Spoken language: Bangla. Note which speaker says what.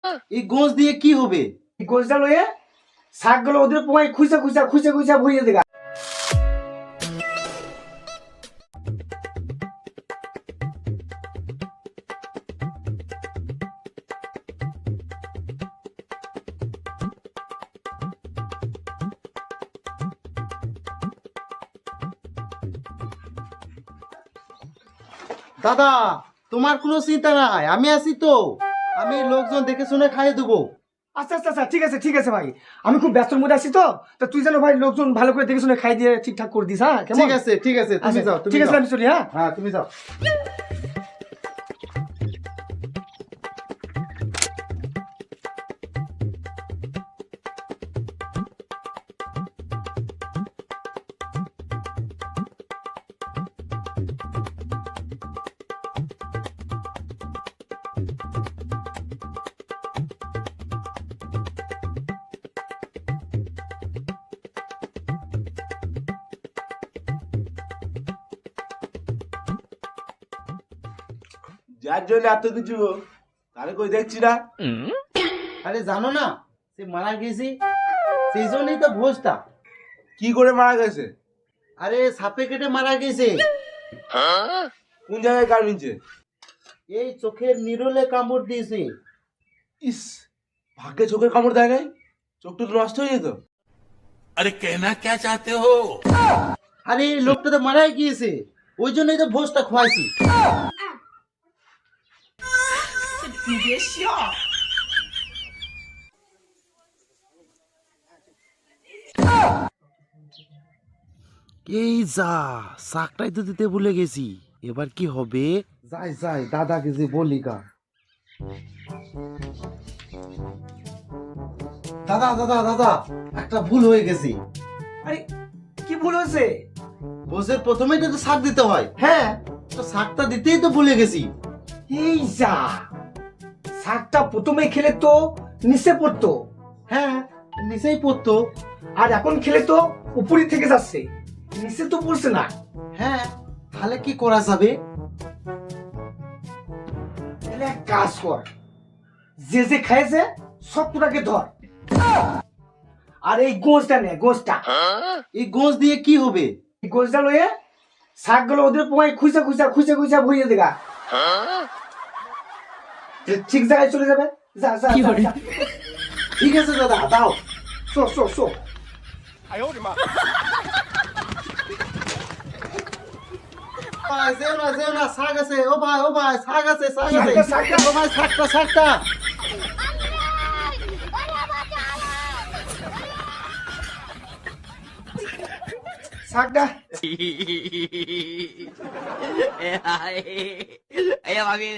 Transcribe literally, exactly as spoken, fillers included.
Speaker 1: এই গোঁজ দিয়ে কি হবে?
Speaker 2: এই গোঁজটা লয়ে শাকগুলো ওদের পোয়াই খুঁজা খুঁজা খুঁজা খুঁজা ভরিয়ে দেগা।
Speaker 1: দাদা, তোমার কোনো চিন্তা নাই, আমি আছি তো। আমি লোকজন দেখে শুনে খাইয়ে দেবো।
Speaker 2: আচ্ছা আচ্ছা আচ্ছা ঠিক আছে ঠিক আছে ভাই, আমি খুব ব্যস্তর মধ্যে আছি তো, তা তুই যেন ভাই লোকজন ভালো করে দেখে শুনে খাই দিয়ে ঠিকঠাক করে দিস। হ্যাঁ কেমন?
Speaker 1: ঠিক আছে ঠিক আছে, তুমি
Speaker 2: আচ্ছা,
Speaker 1: যাও, তুমি
Speaker 2: ঠিক আছে
Speaker 1: যাও।
Speaker 2: আমি চলি। হ্যাঁ
Speaker 1: হ্যাঁ, তুমি যাও।
Speaker 3: যার জন্য এত কিছু, তাহলে কই দেখছি না।
Speaker 1: আরে জানো না, সে মারা গেছে, সেই জন্যই তো ভোজটা।
Speaker 3: কি করে মারা গেছে?
Speaker 1: আরে সাপে কেটে মারা গেছে।
Speaker 3: কোন জায়গায় কামড়িয়েছে?
Speaker 1: এই চোখের নিরলে কামড় দিয়েছে।
Speaker 3: ইস, ভাগ্যে চোখের কামড় দেয় নাই, চোখটা তো নষ্ট হয়ে যেত।
Speaker 4: अरे कहना क्या चाहते हो?
Speaker 1: আরে এই লোকটা তো মারাই গিয়েছে, ওই জন্যই তো ভোজটা খোয়াইছি। এই যা, শাকটাই তো দিতে ভুলে গেছি, এবার কি হবে? যাই যাই, দাদাকে যে বলি গা। দাদা দাদা দাদা, একটা ভুল হয়ে গেছে।
Speaker 2: আরে কি ভুল হয়েছে?
Speaker 1: ভোজের প্রথমেই তো শাক দিতে হয়,
Speaker 2: হ্যাঁ
Speaker 1: তো শাকটা দিতেই তো ভুলে গেছি।
Speaker 2: এই যা, শাকটা প্রথমে খেলে তো নিচে পড়তো,
Speaker 1: হ্যাঁ, নিচেই পড়তো।
Speaker 2: আর এখন খেলে তো উপরই থেকে যাচ্ছে, নিচে তো পড়ছে না।
Speaker 1: হ্যাঁ, তাহলে কি করা যাবে?
Speaker 2: তাহলে এক কাজ কর, যে যে খাইছে সব তোটাকে ধর, আর এই গোঁজটা নে, গোঁজটা।
Speaker 1: এই গোঁজ দিয়ে কি হবে?
Speaker 2: এই গোঁজটা লয়ে শাকগুলো ওদের পোয়াই খুঁজা খুঁজা খুঁজা খুঁজা ভরিয়ে দেগা। ঠিক জায়গায় চলে যাবে। যা যা যা, যা।
Speaker 1: ঠিক আছে দাদা, দাও।
Speaker 2: Show show show.
Speaker 1: ভাই, যেও না যেও না, শাক আছে। ও ভাই ও ভাই, শাক আছে, শাক আছে।
Speaker 2: শাকটা, শাকটা।
Speaker 1: ও ভাই, শাকটা শাকটা।
Speaker 2: শাকটা
Speaker 4: Ayo mami.